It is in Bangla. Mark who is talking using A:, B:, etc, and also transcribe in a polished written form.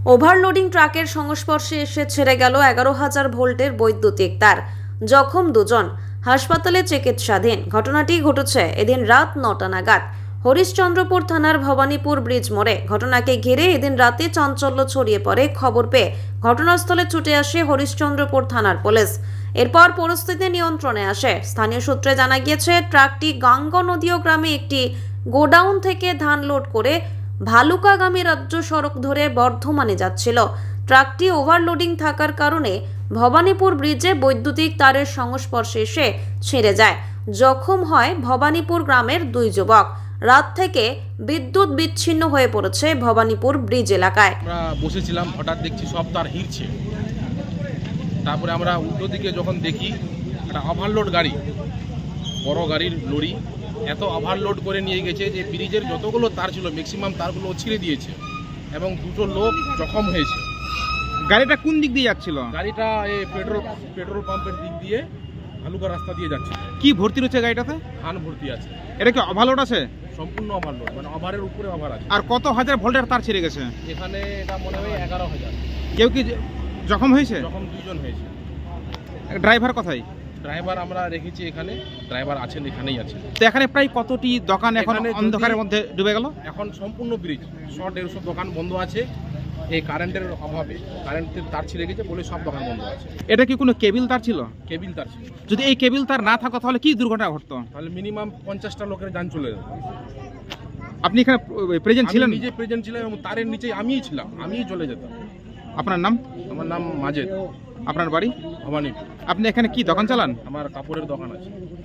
A: ওভারলোডিং ট্রাকের সংস্পর্শে এসে ছেড়ে গেল 11,000 ভোল্টের বৈদ্যুতিক তার। জখম দুজন, হাসপাতালে চিকিৎসাধীন। ঘটনাটি ঘটেছে এদিন রাত 9টা নাগাদ হরিশ্চন্দ্রপুর থানার ভবানীপুর ব্রিজ মোড়ে। ঘটনাকে ঘিরে এদিন রাতে চাঞ্চল্য ছড়িয়ে পড়ে। খবর পেয়ে ঘটনাস্থলে ছুটে আসে হরিশ্চন্দ্রপুর থানার পুলিশ। এরপর পরিস্থিতি নিয়ন্ত্রণে আসে। স্থানীয় সূত্রে জানা গিয়েছে, ট্রাকটি গাঙ্গা নদীয় গ্রামে একটি গোডাউন থেকে ধান লোড করে ভালুকাগামী রাজ্য সড়ক ধরে বর্ধমানে যাচ্ছিল। ট্রাকটি ওভারলোডিং থাকার কারণে ভবানীপুর ব্রিজে বৈদ্যুতিক তারের সংস্পর্শে এসে ছিঁড়ে যায়। জখম হয় ভবানীপুর গ্রামের দুই যুবক। রাত থেকে বিদ্যুৎ বিচ্ছিন্ন হয়ে পড়েছে ভবানীপুর ব্রিজ এলাকায়।
B: আমরা বসেছিলাম, হঠাৎ দেখছি সব তার হিরছে। তারপরে আমরা উল্টো দিকে যখন দেখি একটা ওভারলোড গাড়ি, বড় গাড়ির লরি এত ওভারলোড করে নিয়ে গেছে যে ব্রিজের যতগুলো তার ছিল ম্যাক্সিমাম তারগুলো ছিঁড়ে দিয়েছে এবং দুটো লোক জখম হয়েছে।
C: গাড়িটা কোন দিক দিয়ে যাচ্ছিল?
B: গাড়িটা এই পেট্রোল পাম্পের দিক দিয়ে ভালুকা রাস্তা দিয়ে যাচ্ছে।
C: কি ভর্তি রয়েছে গাড়িটাতে?
B: ধান ভর্তি আছে।
C: এটা কি ওভারলোড আছে?
B: সম্পূর্ণ ওভারলোড, মানে ওভারের উপরে ওভার আছে।
C: আর কত হাজার ভোল্টের তার ছিঁড়ে গেছে?
B: এখানে এটা মনে হয় 11,000।
C: কেউ কি জখম হয়েছে?
B: জখম দুজন হয়েছে।
C: ড্রাইভার কোথায়?
B: ড্রাইভার আমরা রেখেছি এখানে, ড্রাইভার আছেন, এখানেই আছেন।
C: তো এখানে প্রায় কতটি দোকান এখন
B: এখানে যদি-
C: অন্ধকারের মধ্যে ডুবে গেল?
B: এখন সম্পূর্ণ ব্রিজ 100-150 দোকান বন্ধ আছে। এই কারেন্টের অভাবে কারেন্টের তার ছিঁড়ে গেছে বলে সব দোকান বন্ধ আছে।
C: এটা কি কোনো কেবিল তার ছিল?
B: কেবিল তার ছিল।
C: যদি এই কেবিল তার না থাকতো তাহলে কি দুর্ঘটনা ঘটতো?
B: তাহলে মিনিমাম 50টা লোকের যান চলে যেত।
C: আপনি এখানে প্রেজেন্ট ছিলেন?
B: আমি নিজে প্রেজেন্ট ছিলাম এবং তারের নিচে আমিই ছিলাম, আমিই চলে যেতাম।
C: আপনার নাম?
B: আমার নাম মাজেদ,
C: আপনার বাড়ি?
B: ভবানীপুর।
C: আপনি এখানে কি দোকান চালান?
B: আমার কাপড়ের দোকান আছে।